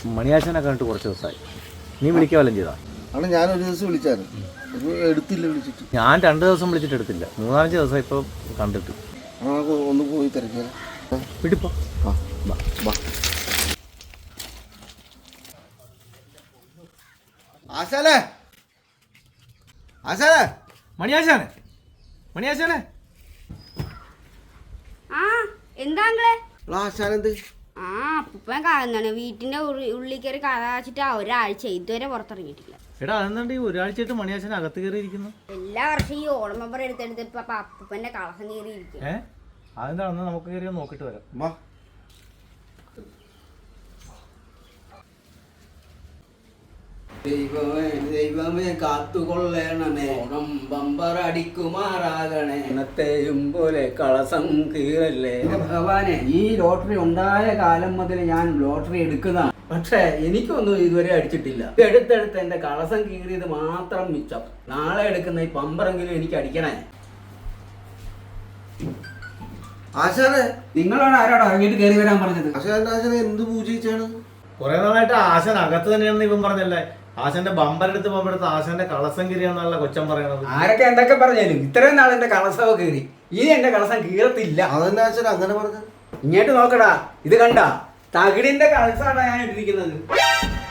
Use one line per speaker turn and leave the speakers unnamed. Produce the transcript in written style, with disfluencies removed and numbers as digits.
മണിയാശനെ കണ്ടിട്ട് കുറച്ച് ദിവസമായി. നീ വിളിക്കുക വല്ലതും ചെയ്താ?
ആണ് ഞാനൊരു ദിവസം വിളിച്ചായിരുന്നു, എടുത്തില്ല. വിളിച്ചിട്ട്
ഞാൻ 2 ദിവസം വിളിച്ചിട്ട് എടുത്തില്ല. 3-5 ദിവസം ഇപ്പോൾ കണ്ടിട്ട്.
ഒന്ന് പോയി തിരക്കിയാൽ
വിടിപ്പോ.
ആശാനെ, ആശാനെ,
മണിയാശാനെ, മണിയാശാനെ.
ആ എന്താങ്ങളെ?
ആശാനെന്ത്?
ആ അപ്പൂപ്പൻ കാണുന്നാണ് വീട്ടിന്റെ ഉള്ളിൽ കയറി കഥാച്ചിട്ട് ഒരാഴ്ച ഇതുവരെ പുറത്തിറങ്ങിയിട്ടില്ല.
എടാ അതെന്താണ്ട് ഈ ഒരാഴ്ചയായിട്ട് മണിയാശാൻ അകത്ത് കയറിയിരിക്കുന്നു?
എല്ലാ വർഷം ഈ ഓണം മെമ്പർ എടുത്തെടുത്ത് ഇപ്പൊ അപ്പൂപ്പന്റെ കളസം കയറിയിരിക്കും.
അതെന്താണെന്ന് നമുക്ക് കയറി നോക്കിട്ട് വരാം.
ദൈവമേ കാത്തുകൊള്ളണമേ, ഓണം ബമ്പർ അടിക്കുമാറാകണേ, ഇന്നത്തെയും പോലെ കളസം കീറല്ലേ. ഭഗവാനെ, ഈ ലോട്ടറി ഉണ്ടായ കാലം മുതൽ ഞാൻ ലോട്ടറി എടുക്കുന്നതാണ്. പക്ഷേ എനിക്കൊന്നും ഇതുവരെ അടിച്ചിട്ടില്ല. എടുത്തെടുത്ത് എന്റെ കളസം കീറിയത് മാത്രം മിച്ചം. നാളെ എടുക്കുന്ന ഈ പമ്പറെങ്കിലും എനിക്ക് അടിക്കണേ.
ആശാനെ,
നിങ്ങളോട് ആരോട് ഇറങ്ങിയിട്ട് കയറി വരാൻ പറഞ്ഞത്?
ആശാനെ എന്ത് പൂജിച്ചാണ്?
കുറെ നാളായിട്ട് ആശാൻ അകത്ത് തന്നെയാണെന്ന് ഇവൻ പറഞ്ഞല്ലേ. ആശാന്റെ ബമ്പരെടുത്ത് പമ്പെടുത്ത് ആശാന്റെ കളസം കീറിയാന്നുള്ള കൊച്ചൻ പറയണത്.
ആരൊക്കെ എന്തൊക്കെ പറഞ്ഞാലും ഇത്രയും നാൾ എന്റെ കളസമൊക്കെ കീറി, ഇനി എന്റെ കളസം കീറത്തില്ല.
അതെന്നെ ആശാൻ അങ്ങനെ പറഞ്ഞത്?
ഇങ്ങോട്ട് നോക്കടാ, ഇത് കണ്ട തകിടിന്റെ കളസാണ് ഞാൻ ഇട്ടിരിക്കുന്നത്.